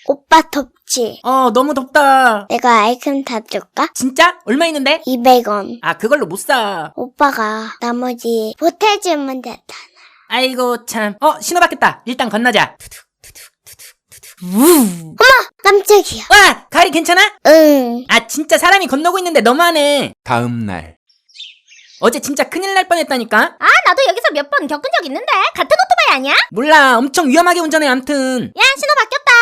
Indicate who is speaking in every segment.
Speaker 1: 오빠 덥지?
Speaker 2: 너무 덥다.
Speaker 1: 내가 아이크림 사줄까?
Speaker 2: 진짜? 얼마 있는데?
Speaker 1: 200원.
Speaker 2: 아, 그걸로 못 사.
Speaker 1: 오빠가 나머지 보태주면 됐다.
Speaker 2: 아이고, 참. 신호 바뀌었다. 일단 건너자.
Speaker 1: 깜짝이야.
Speaker 2: 와! 가리 괜찮아?
Speaker 1: 응.
Speaker 2: 아, 진짜 사람이 건너고 있는데 너무하네.
Speaker 3: 다음 날.
Speaker 2: 어제 진짜 큰일 날 뻔했다니까?
Speaker 4: 아, 나도 여기서 몇 번 겪은 적 있는데. 같은 오토바이 아니야?
Speaker 2: 몰라. 엄청 위험하게 운전해, 암튼.
Speaker 4: 야, 신호 바뀌었다.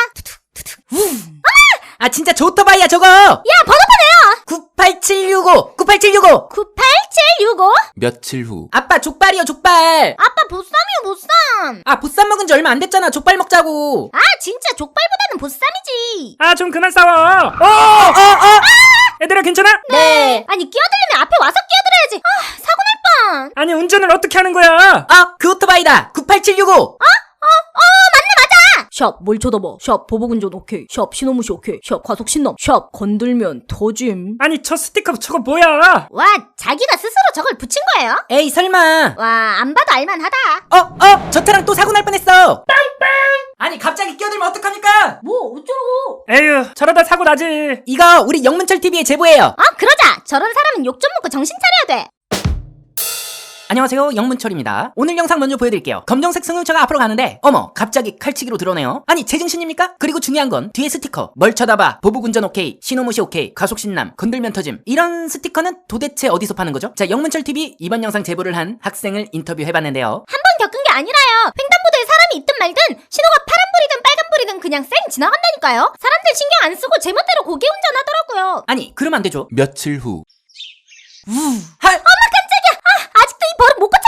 Speaker 2: 아, 진짜 저 오토바이야, 저거!
Speaker 4: 야, 번호판 해요.
Speaker 2: 98765! 98765!
Speaker 4: 98765?
Speaker 3: 며칠 후.
Speaker 2: 아빠, 족발이요, 족발!
Speaker 4: 아빠 보쌈이요, 보쌈.
Speaker 2: 아, 보쌈 먹은 지 얼마 안 됐잖아. 족발 먹자고.
Speaker 4: 아, 진짜 족발보다는 보쌈이지.
Speaker 5: 아, 좀 그만 싸워. 얘들아, 괜찮아?
Speaker 2: 네.
Speaker 4: 아니, 끼어들려면 앞에 와서 끼어들어야지. 아, 사고 날 뻔.
Speaker 5: 아니, 운전을 어떻게 하는 거야?
Speaker 2: 그 오토바이다. 98765!
Speaker 6: 샵 뭘 쳐다봐. 샵 보복운전 오케이. 샵 신호무시 오케이. 샵 과속신남. 샵 건들면 터짐.
Speaker 5: 아니, 저 스티커 저거 뭐야?
Speaker 4: 와, 자기가 스스로 저걸 붙인 거예요?
Speaker 2: 에이, 설마.
Speaker 4: 와, 안 봐도 알만하다.
Speaker 2: 저 차랑 또 사고 날 뻔했어. 아니, 갑자기 끼어들면 어떡합니까?
Speaker 6: 뭐 어쩌라고.
Speaker 5: 에휴, 저러다 사고 나지.
Speaker 2: 이거 우리 영문철 TV에 제보해요.
Speaker 4: 그러자. 저런 사람은 욕 좀 먹고 정신 차려야 돼.
Speaker 2: 안녕하세요, 영문철입니다. 오늘 영상 먼저 보여드릴게요. 검정색 승용차가 앞으로 가는데 어머, 갑자기 칼치기로 들어오네요. 아니, 제정신입니까? 그리고 중요한 건 뒤에 스티커. 뭘 쳐다봐, 보복운전 오케이, 신호무시 오케이, 과속신남, 건들면 터짐. 이런 스티커는 도대체 어디서 파는 거죠? 자, 영문철 TV 이번 영상 제보를 한 학생을 인터뷰해봤는데요.
Speaker 4: 한 번 겪은 게 아니라요. 횡단보도에 사람이 있든 말든 신호가 파란불이든 빨간불이든 그냥 쌩 지나간다니까요. 사람들 신경 안 쓰고 제멋대로 고개 운전하더라고요.
Speaker 2: 아니, 그러면 안 되죠.
Speaker 3: 며칠 후.
Speaker 4: 아직도 이 버릇 못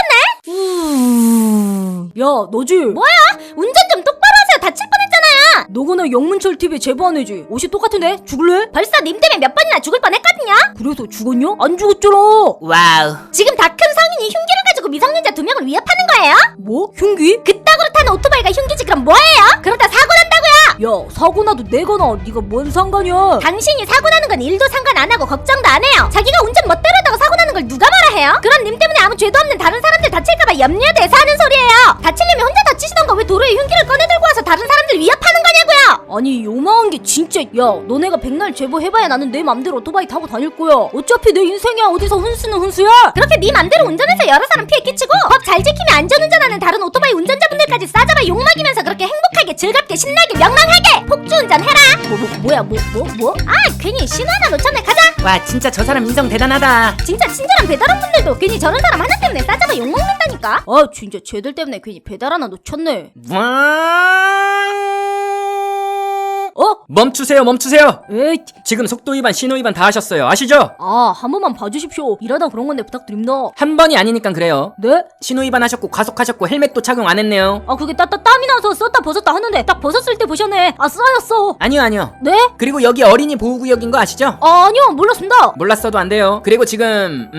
Speaker 4: 고쳤네?
Speaker 6: 야 너지?
Speaker 4: 뭐야? 운전 좀 똑바로 하세요. 다칠 뻔했잖아요.
Speaker 6: 너거나 영문철 TV에 제보 안 해지. 옷이 똑같은데? 죽을래?
Speaker 4: 벌써 님 때문에 몇 번이나 죽을 뻔했거든요.
Speaker 6: 그래서 죽었냐? 안 죽었잖아.
Speaker 2: 와우.
Speaker 4: 지금 다 큰 성인이 흉기를 가지고 미성년자 2명을 위협하는 거예요?
Speaker 6: 뭐? 흉기?
Speaker 4: 그따구로 타는 오토바이가 흉기지 그럼 뭐예요? 그러다 사고 난다고요?
Speaker 6: 야 사고 나도 내가 나. 네가 뭔 상관이야?
Speaker 4: 당신이 사고 나는 건 일도 상관 안 하고 걱정도 안 해요. 자기가 운전 멋대로 하다가 사고 나는 걸 누가 말아 해요? 그런 님 때문에 아무 죄도 없는 다른 사람들 다칠까봐 염려돼서 하는 소리예요. 다치려면 혼자 다치시던가 왜 도로에 흉기를 꺼내 들고 와서 다른 사람들 위협하는 거냐고요?
Speaker 6: 아니 요망한 게 진짜. 야 너네가 백날 제보해봐야 나는 내 맘대로 오토바이 타고 다닐 거야. 어차피 내 인생이야. 어디서 훈수는 훈수야.
Speaker 4: 그렇게 네 맘대로 운전해서 여러 사람 피해 끼치고 법 잘 지키며 안전운전하는 다른 오토바이 운전자분들까지 싸잡아 욕먹이면서 그렇게 행복하게 즐겁게 신나게 명랑하게 폭주운전 해라.
Speaker 6: 뭐?
Speaker 4: 아, 괜히 신호 하나 놓쳤네. 가자.
Speaker 2: 와, 진짜 저 사람 인성 대단하다.
Speaker 4: 진짜 친절한 배달원분들도 괜히 저런 사람 하나 때문에 싸잡아 욕먹는다니까.
Speaker 6: 아 진짜 쟤들 때문에 괜히 배달 하나 놓쳤네.
Speaker 5: 멈추세요.
Speaker 6: 에이
Speaker 5: 지금 속도 위반, 신호 위반 다 하셨어요. 아시죠?
Speaker 6: 한 번만 봐주십시오. 일하다 그런 건데 부탁드립니다.
Speaker 2: 한 번이 아니니까 그래요.
Speaker 6: 네?
Speaker 2: 신호 위반하셨고 과속하셨고 헬멧도 착용 안 했네요.
Speaker 6: 그게 땀이 나서 썼다 벗었다 하는데 딱 벗었을 때 보셨네. 쌓였어.
Speaker 2: 아니요.
Speaker 6: 네?
Speaker 2: 그리고 여기 어린이 보호구역인 거 아시죠?
Speaker 6: 아니요 몰랐습니다.
Speaker 2: 몰랐어도 안 돼요. 그리고 지금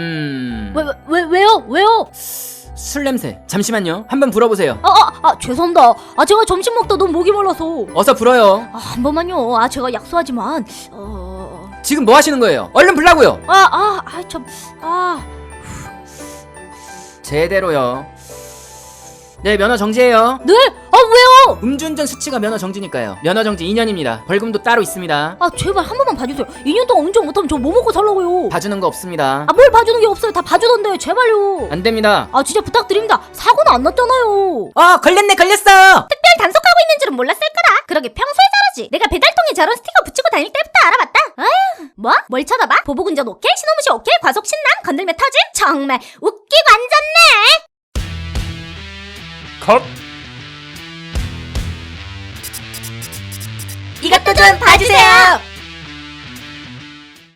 Speaker 6: 왜요?
Speaker 2: 술 냄새. 잠시만요. 한번 불어보세요.
Speaker 6: 죄송합니다. 제가 점심 먹다 너무 목이 말라서.
Speaker 2: 어서 불어요.
Speaker 6: 한 번만요. 제가 약속하지만
Speaker 2: 지금 뭐 하시는 거예요? 얼른 불라고요. 제대로요. 네, 면허 정지예요.
Speaker 6: 네? 왜요?
Speaker 2: 음주운전 수치가 면허 정지니까요. 면허 정지 2년입니다. 벌금도 따로 있습니다.
Speaker 6: 제발 한 번만 봐주세요. 2년 동안 운전 못하면 저 뭐 먹고 살라고요?
Speaker 2: 봐주는 거 없습니다.
Speaker 6: 뭘 봐주는 게 없어요. 다 봐주던데 제발요.
Speaker 2: 안 됩니다.
Speaker 6: 진짜 부탁드립니다. 사고는 안 났잖아요.
Speaker 2: 걸렸어.
Speaker 4: 특별 단속하고 있는 줄은 몰랐을 거다. 그러게 평소에 잘하지. 내가 배달통에 저런 스티커 붙이고 다닐 때부터 알아봤다. 아휴, 뭐? 뭘 쳐다봐? 보복운전 오케이, 신호무시 오케이, 과속신남, 건들면 터짐? 정말 웃기고 앉았네.
Speaker 5: 컷.
Speaker 4: 이것도 좀 봐주세요.